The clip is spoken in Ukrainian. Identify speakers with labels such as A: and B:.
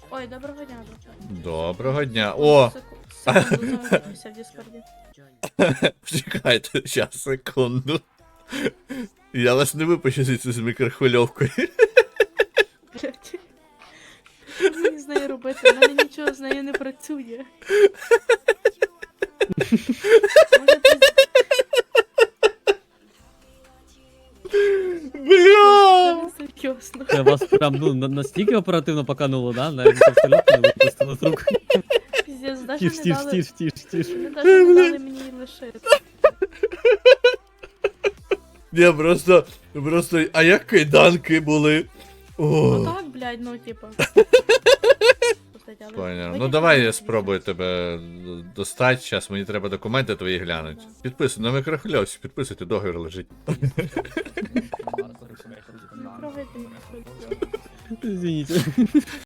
A: Ой, доброго дня, друже.
B: Доброго дня. О!
A: Секунду, замовився в Діскорді.
B: Чекайте, щас, секунду. Я вас не випущу звідси з мікрохвильовкою.
A: Блять. Що мені з нею робити? У мене нічого з нею не працює. Може, ти...
B: Бля!
A: Це не серйозно.
C: Це вас прям настільки оперативно покануло, да? Навіть пістолет не випустило з рук.
A: Піздець, навіть
C: Тіш,
A: не
C: тіш,
A: дали...
C: тіш, тіш, тіш.
A: Вони навіть не дали мені її лишити.
B: Ні, просто, а як кайданки були? О.
A: Ну так, блядь, ну типа.
B: Поняв. Ну давай я спробую тебе достати, зараз мені треба документи твої глянуть. Підписуй, на мікрохвильовці, підписуйте, договір лежить.
A: Не трогайте мене.
C: Извините.